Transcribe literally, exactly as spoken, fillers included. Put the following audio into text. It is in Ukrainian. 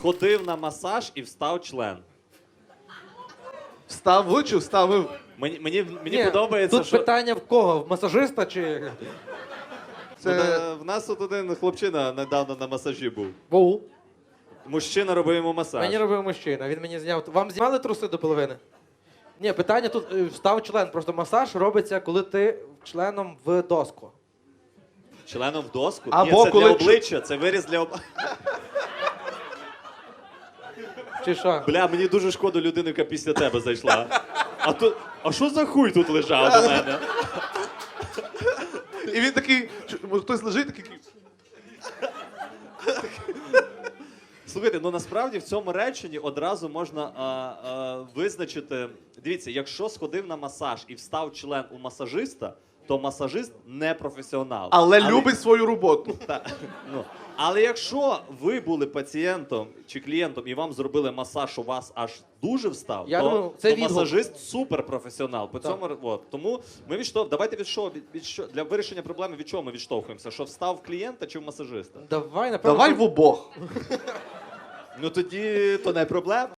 сходив на масаж і встав член. Встав чи вставив? Мені, мені, мені Ні, подобається, тут що... питання в кого? В масажиста чи... Ну, Це- та, в нас тут один хлопчина недавно на масажі був. Воу. Мужчина робив йому масаж. Мені робив мужчина, він мені зняв. Вам знімали труси до половини? Ні, питання тут е, встав член. Просто масаж робиться, коли ти членом в доску. Членом в доску? Або Ні, це коли для чу- обличчя, це виріз для обличчя. Чи що? Бля, мені дуже шкода людини, яка після тебе зайшла. А тут, а що за хуй тут лежав у мене? І він такий, чу- може, хтось лежить, такий. Слухайте, ну насправді в цьому реченні одразу можна а, а, визначити. Дивіться, якщо сходив на масаж і встав член у масажиста, то масажист не професіонал. Але любить свою роботу. Та, ну, але якщо ви були пацієнтом чи клієнтом і вам зробили масаж, у вас аж дуже встав, Я то, думаю, це то відгук. масажист суперпрофесіонал. По Так. цьому от. Тому ми відштовх... давайте від що, від, від що для вирішення проблеми від чого ми відштовхуємося? Що встав в клієнта чи в масажиста? Давай, напевно. Давай що- в обох. Ну тоді то не проблема.